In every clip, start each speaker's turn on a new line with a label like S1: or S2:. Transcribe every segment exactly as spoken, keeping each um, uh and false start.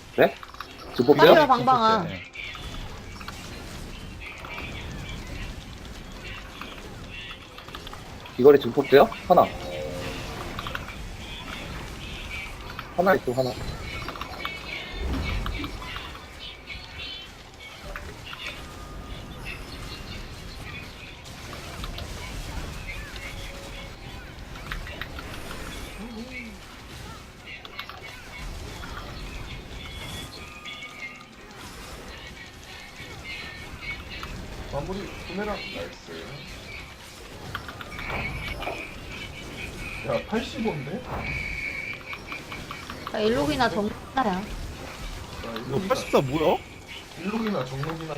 S1: 네? 지금
S2: 빨리요,
S1: 볼게요?
S2: 방방아.
S3: 네.
S1: 이거리 지금 볼게요? 하나. 하나 있어, 하나.
S4: 마무리 구매랑 나이스. 야 팔십오인데?
S2: 자, 일록이나 정나야.
S3: 이거 팔십사 뭐야?
S4: 일록이나 정록이나.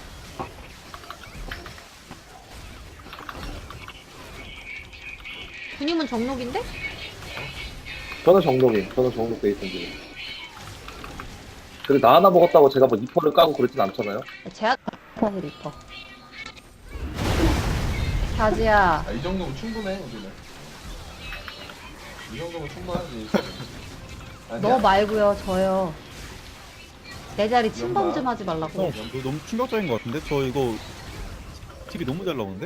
S2: 군님은 정록인데?
S1: 저는 정록이, 저는 정록 베이스인데. 근데 나 하나 먹었다고 제가 뭐 이퍼를 까고 그러진 않잖아요?
S2: 제약 사실 리퍼. 자지야.
S4: 아 이 정도면 충분해 우리는. 이 정도면 충분하지. 아니야?
S2: 너 말고요, 저요. 내 자리 침범
S4: 연마.
S2: 좀 하지 말라고.
S3: 어, 이거 너무 충격적인 것 같은데? 저 이거 팁이 너무 잘 나오는데?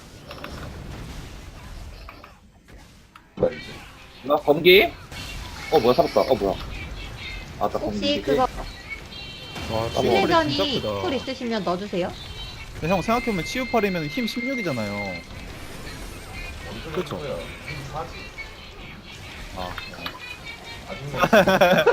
S4: 말이지.
S1: 나 검기? 어, 뭐야, 살았다. 어, 뭐야. 아, 나 검기.
S2: 혹시 그거
S3: 와, 치유팔이 진짜
S2: 실내전이
S3: 크다.
S2: 쿨 있으시면 넣어주세요.
S3: 근데 형 생각해보면 치유팔이면 힘 십육이잖아요. 그쵸.
S4: 그렇죠. 사지.
S3: 아,
S4: 아줌마.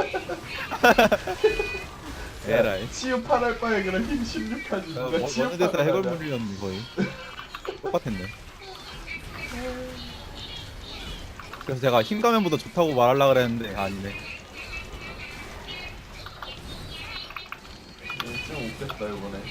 S3: 에라이.
S4: 치유 팔 할 바에 그냥 힘 십육 하지.
S3: 야,
S4: 누가
S3: 뭐,
S4: 치유
S3: 어느 데서
S4: 팔
S3: 해골
S4: 하냐.
S3: 물리였는데 거의 똑같았네. 그래서 제가 힘 가면보다 좋다고 말하려고 그랬는데 아니네.
S4: 좀 웃겼다 이번에.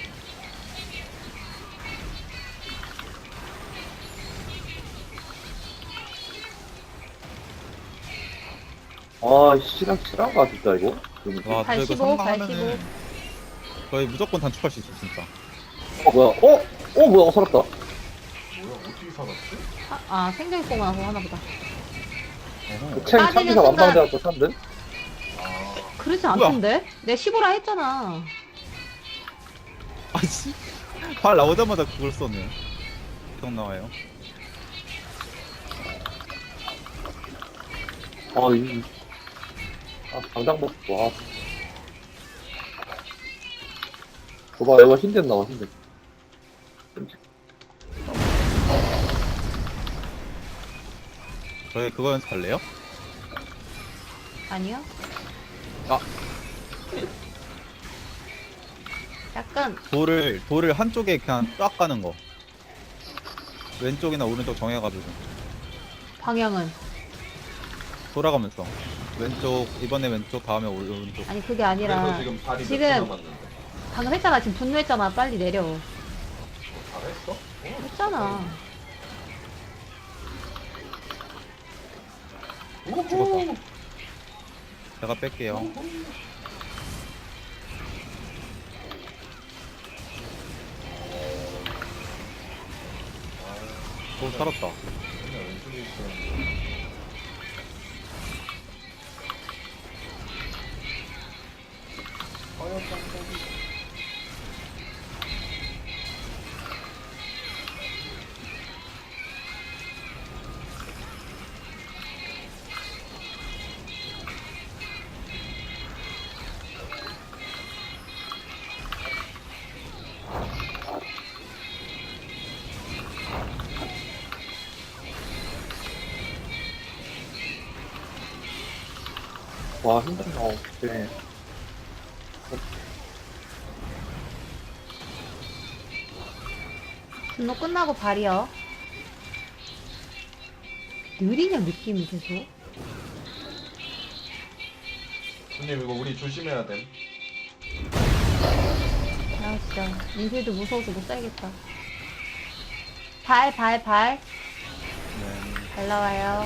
S1: 아, 실한, 실한가, 진짜, 이거? 그러니까.
S3: 와, 저 이거
S2: 팔십오,
S3: 성공하면은
S2: 팔십오.
S3: 거의 무조건 단축할 수 있어 진짜.
S1: 어, 뭐야. 어? 어, 뭐야. 어, 살았다.
S4: 뭐야 어떻게 살았지?
S2: 아, 아 생존 있고 나서 하나보다.
S3: 어허.
S1: 그 챙,
S2: 빠지는
S1: 참기사
S2: 순간-
S1: 완방대학교 산들?
S4: 아
S2: 그러지
S3: 뭐야?
S2: 않던데? 내가 십오라 했잖아.
S3: 아씨, 발 나오자마자 그걸 썼네. 기억 나와요.
S1: 아, 이. 아, 당장 먹고, 와. 봐봐, 이거 흰덴 나와, 흰덴.
S3: 저희 그거 연습할래요?
S2: 아니요?
S3: 아.
S2: 약간
S3: 돌을 돌을 한쪽에 그냥 쫙 가는 거. 왼쪽이나 오른쪽 정해가지고
S2: 방향은
S3: 돌아가면서 왼쪽 이번에 왼쪽 다음에 오- 오른쪽.
S2: 아니 그게
S4: 그래서
S2: 아니라
S4: 지금 발이
S2: 지금-
S4: 몇개 남았는데.
S2: 방금 했잖아. 지금 분노했잖아. 빨리 내려.
S4: 잘했어? 어,
S2: 했잖아.
S4: 오호.
S3: 제가 뺄게요. 오, 살았다.
S4: 그냥 왼쪽에 있어. 화염 방법이.
S1: 와, 흰덴 나와. 네.
S2: 분노 끝나고 발이요. 느리냐 느낌이 계속.
S4: 손님 이거 우리 조심해야 됨.
S2: 아 진짜 인필도 무서워서 못 살겠다. 발 발 발.
S3: 네.
S2: 발 나와요.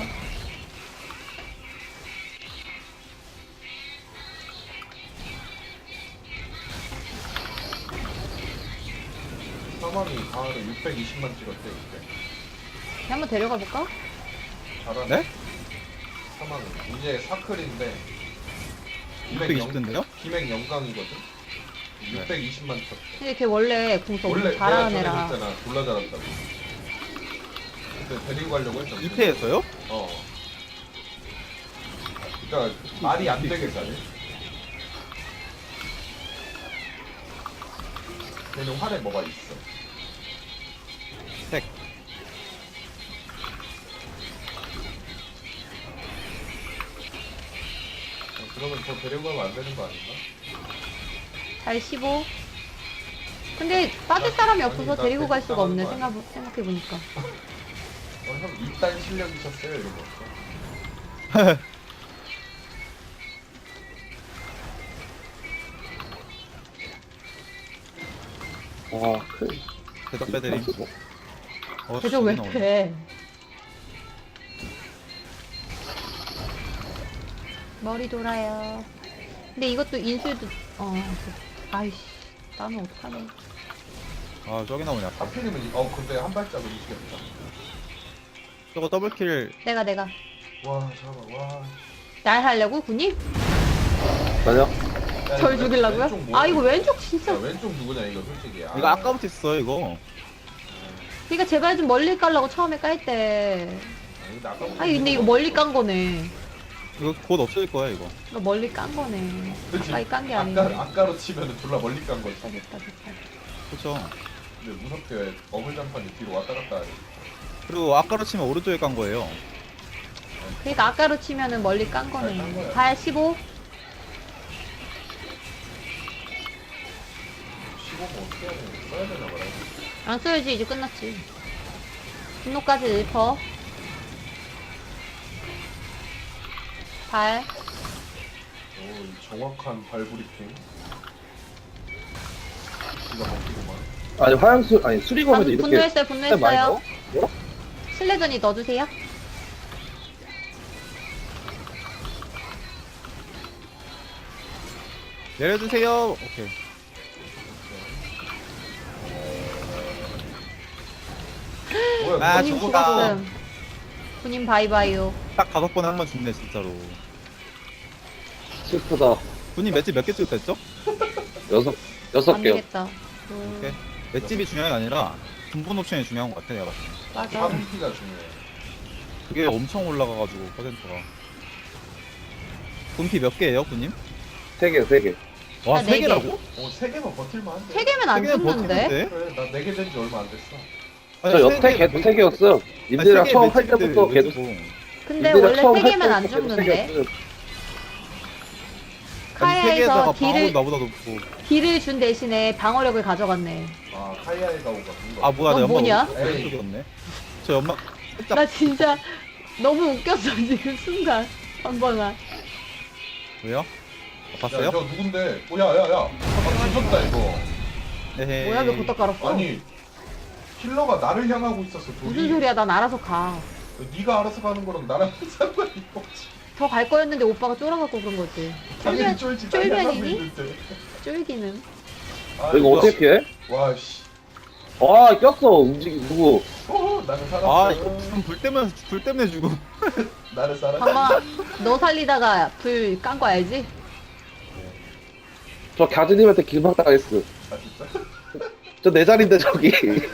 S4: 사망이 가을에 육백이십만 찍었대 이때.
S2: 한번 데려가 볼까?
S4: 잘하네.
S3: 네?
S4: 사망이 이제 사클인데
S3: 육백이십 던데요?
S4: 김행 영광이거든. 육백이십만 쳤.
S2: 근데 걔 원래 궁서
S4: 원래
S2: 엄청 잘하는
S4: 내가
S2: 애라.
S4: 전에 했잖아. 졸라 잘한다고. 그때 데리고 가려고 했잖아.
S3: 이 패에서요?
S4: 어. 그러니까 말이 안 되게 잘해. 걔는 활에 뭐가 있어.
S3: 색.
S4: 어, 그러면 더 데리고 가면 안 되는 거 아닌가?
S2: 잘 씹어. 근데 빠질 사람이
S4: 아니,
S2: 없어서
S4: 나
S2: 데리고 갈 수가 없네,
S4: 대충
S2: 생각, 생각해보니까.
S4: 어, 형 이딴 실력이셨어요? 이러고 없어.
S1: 와, 크.
S3: 대답 빼드림. 어,
S2: 계속 왜
S3: 나오네.
S2: 패? 머리 돌아요. 근데 이것도 인술도, 어, 그- 아이씨, 나는 어떡하네.
S3: 아, 저기 나오네, 아까.
S4: 하필이면 이- 어 근데 한 발짝은 이기겠다.
S3: 저거 더블킬.
S2: 내가, 내가.
S4: 와 잠깐만 와.
S2: 날 하려고, 군님?
S1: 맞아?
S4: 야,
S2: 절
S4: 왼-
S2: 죽이려고요?
S4: 왼쪽 뭐야?
S2: 아, 이거 왼쪽
S4: 야,
S2: 진짜.
S4: 왼쪽 누구냐 이거 솔직히. 아.
S3: 이거 아까부터 있어요, 이거.
S2: 그러니까 제발 좀 멀리 깔라고 처음에 깔 때.
S4: 아, 근데 아까부터
S2: 아니, 근데 이거 멀리 깐 거네.
S3: 이거 곧 없어질 거야, 이거.
S2: 이거 멀리 깐 거네.
S4: 그치?
S2: 가까이 깐 게
S4: 아까
S2: 아니네.
S4: 아까로 치면은 졸라 멀리 깐 거지.
S2: 됐다, 됐다, 됐다.
S3: 그쵸.
S4: 근데 무섭게 어물장판이 뒤로 왔다 갔다 하네.
S3: 그리고 아까로 치면 오른쪽에 깐 거예요.
S2: 그러니까 아까로 치면은 멀리 깐
S4: 깐
S2: 거네.
S4: 거야.
S2: 발 십오.
S4: 십오 분 어떻게 해야 되나 써야 되나 봐라.
S2: 안 써야지, 이제 끝났지. 분노까지 일 퍼. 발.
S4: 오, 이 정확한 발 브리핑. 기가 막히구만.
S1: 아니, 화양수, 아니, 수리검에도
S2: 방금
S1: 이렇게.
S2: 분노했어요,
S1: 많이
S2: 분노했어요.
S1: 넣어? 뭐?
S2: 슬래전이 넣어주세요.
S3: 내려주세요. 오케이.
S4: 뭐야?
S3: 아,
S4: 누가
S2: 군인
S3: 저거다.
S4: 죽었어?
S2: 죽었음. 군인 바이바이요.
S3: 딱 다섯 번에 한 번 죽네, 진짜로.
S1: 슬프다.
S3: 분이 맷집 몇 개 찍었댔죠?
S1: 여섯, 여섯
S2: 안
S1: 개요.
S2: 되겠다. 음,
S3: 오케이. 맷집이 중요한 게 아니라 분분 옵션이 중요한 것 같아, 내가 봤을 때.
S2: 맞아.
S4: 화분기가 중요해.
S3: 그게 엄청 올라가가지고, 퍼센트가. 분피 몇 개예요, 분님?
S1: 세 개, 세 개.
S3: 와,
S2: 아,
S3: 세
S2: 네 개.
S3: 개라고?
S4: 어, 세 개만 버틸만 한데.
S2: 세 개면 안
S3: 세 개는
S2: 죽는데?
S3: 버티는데?
S4: 그래, 나 네 개 된 지 얼마 안 됐어.
S3: 아니,
S1: 저
S3: 세
S1: 여태
S3: 개-
S1: 걔도 세 개였어요.
S3: 아니,
S1: 님들이랑
S3: 세 개
S1: 처음 할
S3: 맷집인데
S1: 때부터
S3: 왜
S1: 걔도.
S3: 주고.
S2: 근데
S1: 님들이랑
S2: 원래
S1: 처음
S2: 세
S1: 할
S2: 개면 안
S1: 때부터 걔도 세
S2: 죽는데?
S1: 개였어요.
S3: 아니, 세 개에다가
S2: 카야에서
S3: 방어력
S2: 딜을,
S3: 나보다 높고.
S2: 딜을 준 대신에 방어력을 가져갔네.
S4: 아, 카이아이가 오가 본 거.
S3: 아, 뭐야,
S2: 넌
S3: 내 연막
S2: 뭐냐?
S3: 오른쪽이었네. 저 연막, 살짝.
S2: 나 진짜 너무 웃겼어, 지금 순간. 한 번만.
S3: 왜요? 어,
S4: 야,
S3: 봤어요?
S4: 저 누군데? 어, 야, 야, 야. 아, 뒤졌다, 이거.
S3: 에헤이.
S2: 뭐야, 왜 걷다 깔았어?
S4: 아니, 힐러가 나를 향하고 있었어, 둘이.
S2: 무슨 소리야, 난 알아서 가.
S4: 네가 알아서 가는 거랑 나랑 상관이 없지.
S2: 더 갈 거였는데 오빠가 쫄아갖고 그런 거지.
S4: 당연히
S2: 쫄면,
S4: 쫄지, 날 향하고
S2: 쫄면이니?
S4: 있는데.
S2: 쫄기는.
S4: 아,
S1: 이거 어떻게 피해?
S4: 와, 씨.
S1: 아, 꼈어. 움직이, 누구.
S4: 어, 나는 살았어.
S3: 아, 이거 그럼 불 때문에, 불 때문에 죽어.
S4: 나를 살았어.
S2: 봐봐, 너 살리다가 불 깐 거 알지?
S1: 저 갸즈님한테 길막 당했어.
S4: 아, 진짜?
S1: 저 내 자리인데, 저기.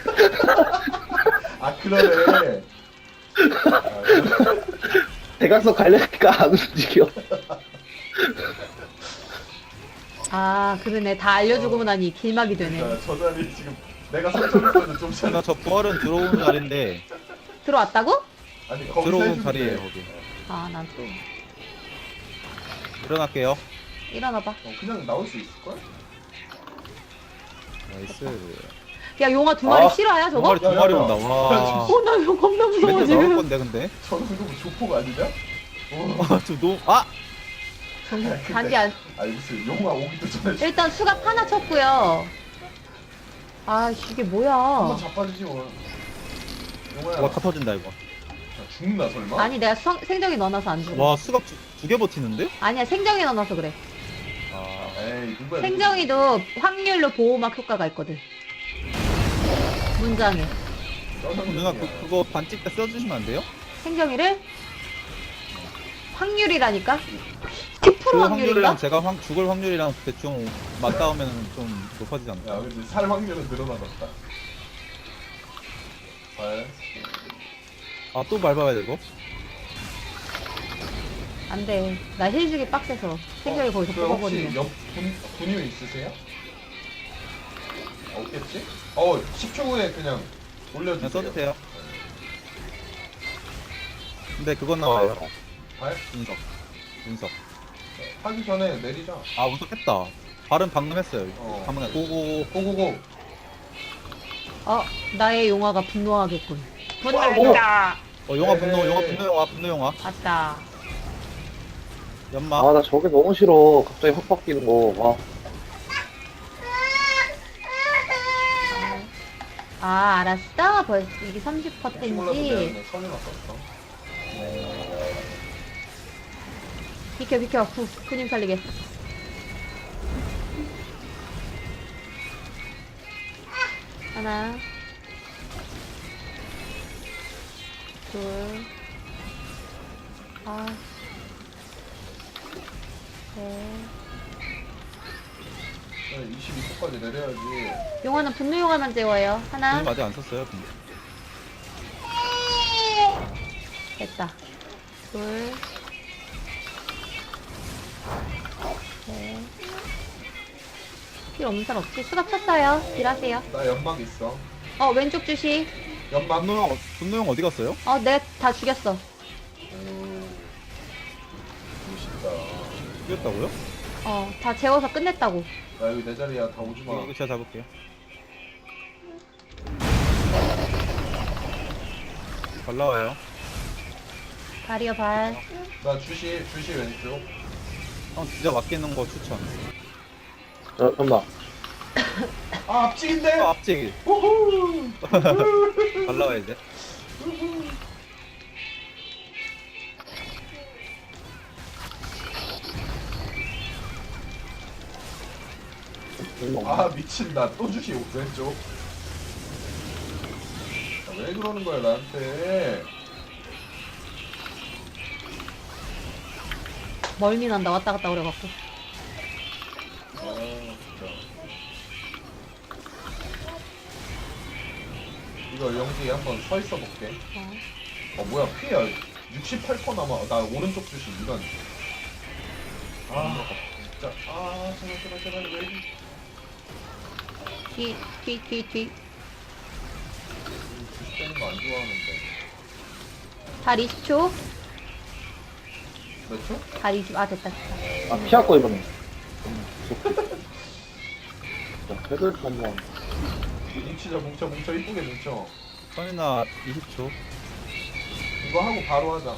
S4: 아, 그러네. 아,
S1: 대각선 가려니까 안 움직여.
S2: 아, 그러네. 다 알려주고 나니 길막이 되네.
S4: 자, 저 자리 지금 내가 설정했거든, 좀 전에.
S3: 나 저 부활은 들어오는 자리인데,
S2: 들어왔다고?
S4: 아니, 거기서
S3: 들어오는
S4: 해주는데.
S3: 자리에요, 거기.
S2: 아, 난 또.
S3: 일어날게요.
S2: 일어나봐.
S4: 어, 그냥 나올 수 있을걸?
S3: 나이스.
S2: 야, 용아 두 마리
S1: 아,
S2: 실화야,
S3: 두
S2: 저거?
S3: 마리, 두
S4: 야, 야,
S3: 마리
S4: 야.
S3: 온다. 와.
S2: 어, 나 이거 겁나 무서워,
S3: 멘트 나올
S2: 지금.
S3: 건데, 근데.
S4: 저 정도면 조폭 아니냐? 어.
S3: 아, 저 너무, 아!
S2: 정말 단지 안.
S4: 아니, 무슨 용화 오기도 전에
S2: 일단 수갑 하나 쳤고요. 아, 씨, 이게 뭐야.
S4: 한번 자빠지지 뭐. 용화야.
S3: 와, 다 터진다, 이거.
S4: 자, 죽나 설마?
S2: 아니, 내가 성, 생정이 넣어놔서 안 죽어.
S3: 와, 수갑 두 개 버티는데?
S2: 아니야, 생정이 넣어놔서 그래.
S3: 아,
S4: 에이, 누구야?
S2: 생정이도 확률로 보호막 효과가 있거든. 문장에.
S3: 누나, 그, 그거 반칙 때 써주시면 안 돼요?
S2: 생정이를 확률이라니까? 십 칠 퍼센트
S3: 그
S2: 확률인가?
S3: 확률이랑 제가 확, 죽을 확률이랑 대충 맞닿으면 좀 높아지지 않나?
S4: 야 근데 살 확률은 늘어나졌다. 발.
S3: 아 또 밟아야 되고?
S2: 안돼. 나 힐주기 빡세서 생각이 거기서
S4: 그 혹시
S2: 뽑아버리네.
S4: 옆 분, 분유 있으세요? 없겠지? 어 십 초 후에 그냥
S3: 그냥
S4: 올려주세요.
S3: 써도 돼요. 근데 그건 나와요.
S4: 발
S3: 운석. 운석.
S4: 하기 전에 내리자.
S3: 아 운석 했다. 발은 방금 했어요.
S4: 어.
S3: 방금 했- 고고고.
S4: 고고고.
S2: 어, 나의 용화가 분노하겠군.
S1: 오!
S2: 분노했다.
S3: 어 용화 분노
S4: 에이.
S3: 용화 분노 용화 분노 용화.
S2: 맞다.
S3: 연막.
S1: 아, 나 저게 너무 싫어. 갑자기 확 바뀌는 거. 와.
S2: 아, 알았어. 벌써 이게 삼십
S4: 몰라서
S2: 퍼센트인지.
S4: 내가 그냥 선이 났었어.
S2: 비켜, 비켜. 구, 구님 살리게. 하나. 둘. 아. 셋.
S4: 이십이 초까지 내려야지.
S2: 용화는 분노 용화만 재워요. 하나.
S3: 분노 아직 안 썼어요. 분노.
S2: 됐다. 둘. 셋. 필요 없는 사람 없지? 수갑 쳤어요. 딜하세요.
S4: 나 연막 있어.
S2: 어, 왼쪽 주시.
S4: 연막.
S3: 분노 용 분노 용 어디 갔어요?
S2: 어, 내가 다 죽였어.
S4: 멋있다.
S3: 죽였다고요?
S2: 어, 다 재워서 끝냈다고.
S4: 나 여기 내 자리야. 다 오지 마.
S3: 이거 제가 잡을게요. 잘 나와요.
S2: 발이요, 발.
S4: 나 주시 주시 왼쪽.
S3: 형 진짜 맡기는 거 추천.
S1: 저, 잠깐만.
S4: 아 앞직인데.
S3: 어, 앞지기.
S4: 우후.
S3: 잘 나와 이제.
S4: 아 미친다. 또 주시 왼쪽. 아, 왜 그러는 거야 나한테?
S2: 멀미 난다. 왔다 갔다 그래갖고.
S4: 아 진짜. 이거 영지 한번 서 있어 볼게.
S2: 어.
S4: 어 뭐야 피야 육십팔 퍼센트 남아. 나 오른쪽 주시 이런. 아 진짜. 아 제발 제발 제발 왜?
S2: 뒤, 뒤, 뒤, 뒤.
S4: 주시 빼는 거 안 좋아하는데.
S2: 발 이십 초.
S4: 몇 초?
S2: 발 이십, 아, 됐다, 됐다.
S1: 아, 피할 거, 이번에. 자, 헤드 한번.
S4: 뭉치자 뭉쳐 뭉쳐 이쁘게 뭉쳐.
S3: 선이나 이십 초.
S4: 이거 하고 바로 하자.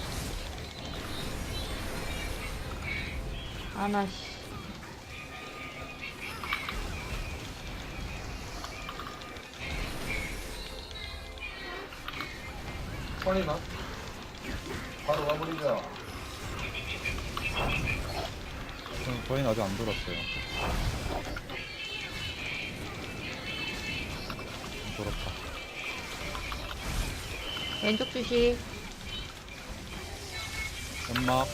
S2: 아, 나, 씨.
S4: 선이나 바로 가버리자.
S3: 형, 저희는 아직 안 돌았어요. 돌았다.
S2: 왼쪽 주시.
S3: 연막.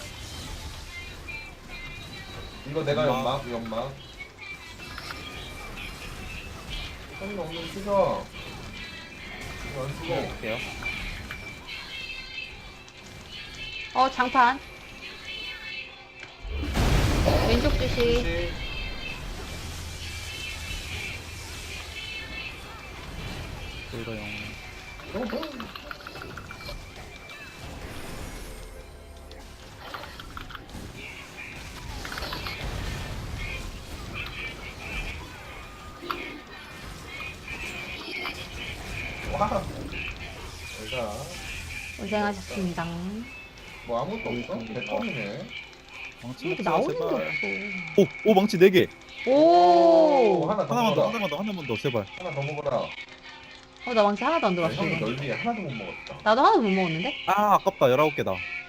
S4: 이거 내가
S3: 연막.
S4: 연막 연막. 선이나 없는 죽어. 이거 안 죽어.
S3: 볼게요.
S2: 어, 장판. 왼쪽 주시.
S4: 주시.
S3: 저희가 영.
S4: 어허. 와. 내가
S2: 고생하셨습니다.
S4: 뭐 아무것도 없어? 개껌이네.
S3: 망치
S2: 이렇게
S3: 먹자,
S2: 나오는 게
S3: 제발.
S2: 없어.
S3: 오! 오 망치 네 개!
S2: 오!
S4: 하나 더
S3: 하나만 더,
S4: 먹어라.
S3: 하나만 더, 하나만 더, 제발.
S4: 하나 더 먹어라.
S2: 어, 나 망치 하나도 안
S4: 야,
S2: 들어왔어.
S4: 형이 널 위해 하나도 못 먹었다.
S2: 나도 하나도 못 먹었는데?
S3: 아, 아깝다. 열아홉 개다.